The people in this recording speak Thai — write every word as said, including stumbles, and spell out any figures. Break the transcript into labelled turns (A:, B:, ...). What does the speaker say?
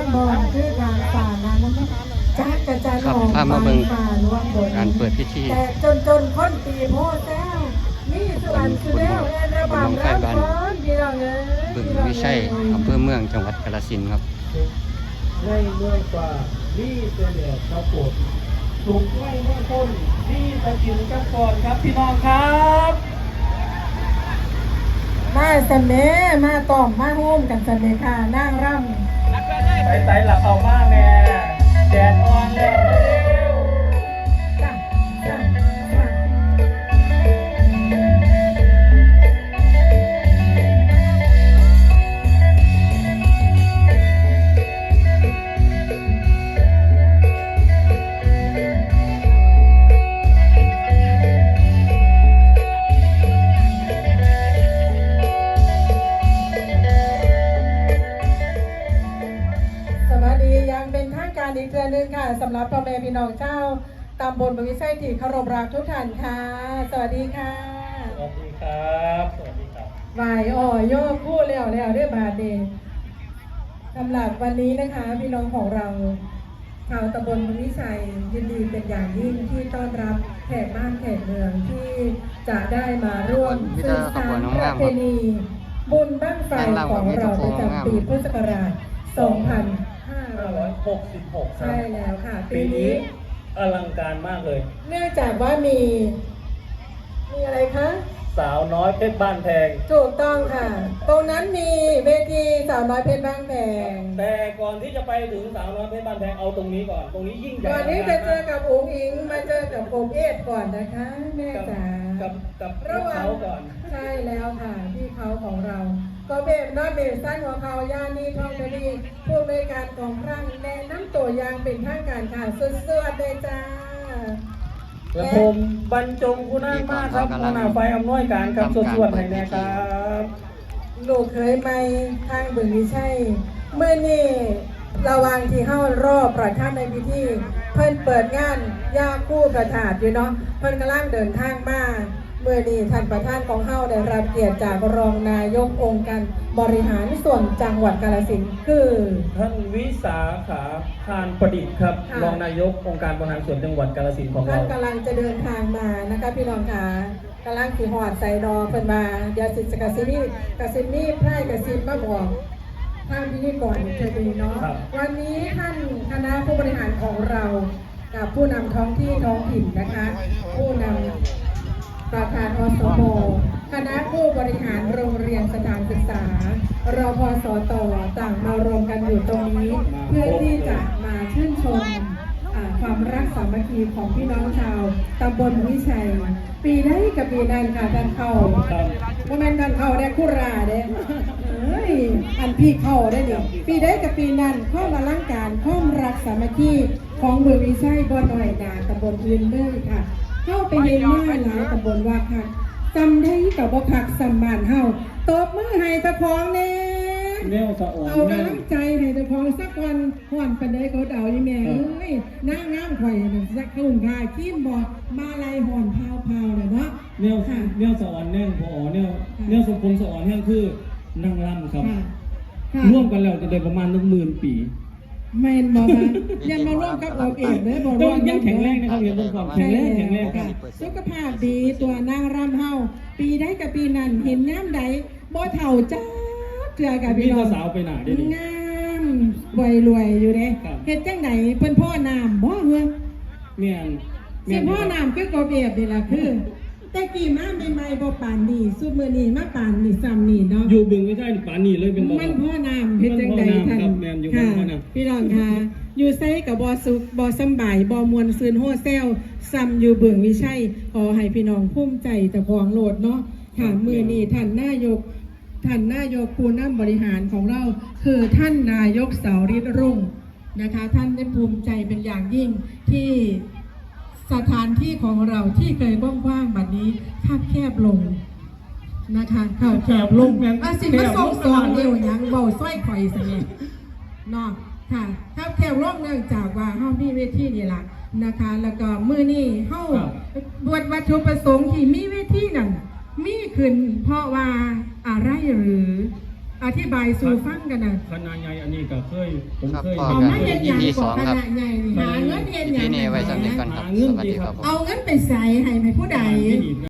A: บอลคือการฝ่านั้นจักกระจายหอมฝ่าล้วนบนการเปิดพิธีแต่จนจนคนตีโพแซวนี่สุวรรณสุเดลเระบาดรับก้อนพี่น้องเอ้ยบึงวิชัยอำเภอเมืองจังหวัดกาฬสินธุ์ครับ
B: ในเมืองป่านี่ตัวเดียวครับผมถูกไล่เมื่อต้นนี่ตะกินกันก่อนครับพี่น้องครับ
A: มาเสน่ห์มาต้อมมาโฮมกันเสน่ห์ค่ะนั่งร่ำ
B: ไต่ไต่หลับเอามากแน่แดดอ่อนแล้ว
A: อีกเดือนหนึ่งค่ะสำหรับพ่อแม่พี่น้องเจ้าตำบลบวิชัยที่เคารพรักทุกท่านค่ะสวัสดีค่ะ
B: สวัสดีครับสวัสดีครับ
A: วายอ่อยอพูดแล้วแล้วเรียบาเดงสำหรับวันนี้นะคะพี่น้องของเราชาวตำบลบวิชัยยินดีเป็นอย่างยิ่งที่ต้อนรับแขกบ้านแขกเมืองที่จะได้มาร่วมสืบสานประเพณีบุญบั้งไฟของเราประจำปีพุทธศักราชสองพันห้าร้อย
B: หกสิบหก
A: ใช่แล้วค่ะ
B: ปีนี้อลังการมากเลย
A: เนื่องจากว่ามีมีอะไรคะ
B: สาวน้อยเพชรบ้านแพง
A: ถูกต้องค่ะตรงนั้นมีเวทีสาวน้อยเพชรบ้านแพง
B: แต่ก่อนที่จะไปถึงสาวน้อยเพชรบ้านแพงเอาตรงนี้ก่อนตรงนี้ยิ่งใหญ่
A: ก่อนนี้จะเจอกับอุ๋งอิงมาเจอกับโกเอฟก่อนนะคะแม่จ๋า
B: กับกับเขาก่อน
A: ใช่แล้วค่ะพี่เขาของเราก็เบฟน้อยเบฟสั้นของเขาย่านีทองดีผู้บริการของครั้งแนะน้ำตัวยางเป็นทางการค่ะสุดๆเลยจ้า
B: และผมบรรจงคุณนั่งมากครับหัวหน้าไฟอำนวยการครับส่วนๆให้นะครับ
A: ลูกเคยไปทางบึงวิชัยเมื่อนี่ระวังที่เข้ารอบประธานในพิธีเพิ่นเปิดงานยาคู่ประถาดอยู่เนาะเพิ่นกำลังเดินทางมาเมื่อนี้ท่านประธานของเฮาได้รับเกียรติจากรองนายกองค์การบริหารส่วนจังหวัดกาฬสินธุ์คือ
B: ท่านวิสาขาพานประดิษฐ์ครับรองนายกองค์การบริหารส่วนจังหวัดกาฬสินธุ์ของเรา
A: ท่านกำลังจะเดินทางมานะคะพี่น้องค่ะกำลังขี่หอดใส่ดอเพิ่นมาเดี๋ยวสิกสินี่กสินี่ไพร่กสินมาบอกท่านพิธีกรเทวีเนาะวันนี้ท่านคณะผู้บริหารของเรากับผู้นำท้องที่ท้องถิ่นนะคะผู้นำประธานอสมคณะผู้บริหารโรงเรียนสถานศึกษารพสตต่างมารวมกันอยู่ตรงนี้เพื่อที่จะมาชื่นชมความรักสามัคคีของพี่น้องชาวตำบลวิชัยปีได้กับปีนั้นค่ะท่านเข้าโมเมนต์ท่านเข้าได้คุราเด้เอ้ยอันพี่เข้าได้เนี่ยปีได้กับปีนั้นข้อมาล้างการข้อมรักสามัคคีของเมืองวิชัยบนหน่อยนาตำบลพื้นเลยค่ะเข้าไปเห็นมาหลายตำบลว่าค่ะจำได้กับบ่คักสมานเฮาตบมือให้ตะพองเน่เอากำลังใจให้ตะพองสักวันห่อนปันได้เขาเดาอีแม่เอ้ยหน้างามข่อยน่ะสักคุ้มค่าขีมบอกมาลายห่อนพาวพาวเลยเนาะ
B: เนี่ยเนี่ยสอนเนี่ยพอเนี่ยเนี่ยสมพงษ์สอนเนี่ยคือนั่งรำครับร่วมกันแล้วจะได้ประมาณหนึ่งหมื่นปี
A: แมนบอกว่ายังมาร่วมกับโอเอ๋เลยบอกว่า
B: ยังแข็งแรงนะครับยังเป็นความแข็งแรงแข็งแรง
A: ค่ะสุขภาพดีตัวนางรำเฮาปีได้กับปีนั้นเห็นน้ำใดบ่เท่าจ้าเจือกับพี่น้อง
B: สาวไปหนาได้
A: งามรวยรวยอยู่เด้เฮ็ดจังไหนเพิ่นพ่อน้ำบ่เฮือ
B: แม่น
A: สิพ่อน้ำคือกบเอบนี่ล่ะคือแต่กี่มาใหม่ๆบ่ปานนี้สุดมื้อนี้มาปานนี้ซ้ำนี่เนาะ
B: อยู่บึงไม่ได้ปานนี้เลยเป็นบ่
A: มันพ่อน้ำเฮ็ดจังได๋ท่านค่ะพี่น้องค่ะอยู่ไสก็บ่สุขบ่สำบายบ่มวนซื่นโฮแซวซ้ำอยู่บึงวิชัยขอให้พี่น้องภูมิใจเจ้าของโลดเนาะค่ะมื้อนี้ท่านนายกท่านนายกผู้นำบริหารของเราคือท่านนายกเสาฤทธิ์รุ่งนะคะท่านได้ภูมิใจเป็นอย่างยิ่งที่สถานที่ของเราที่เคยกว้างๆแบบนี้คับแคบลงนะคะข่าวแคบลงอาสิมาส่งสองเดียวยังเบาสร้อยข่อยสิเนี่ยเนาะค่ะคับแคบลงเนื่องจากว่าเฮามีเวทีนี่แหละนะคะแล้วก็มื้อนี้เฮาบวชวัตถุประสงค์ที่มีเวทีนั่นมีขึ้นเพราะว่าอะไรหรืออธิบายสู่ฟังกันนะ
B: คณะใหญ่อันนี้ก็เคยผม
C: ครับ
B: เคย
C: พ่อ
A: เอา
C: กัน
A: มาเรียนอย่าง
C: อี
A: ข
C: ส
A: อ
C: อง ง
A: ค
C: ครับ
A: ณะใหญ่นี่หาเงินเรียนอย่าง
C: ที่นี่ไว้สำเร็จกันครับ สวัสดีครับผม
A: เอาเงินไปใส่ให้ไหมผู้ใด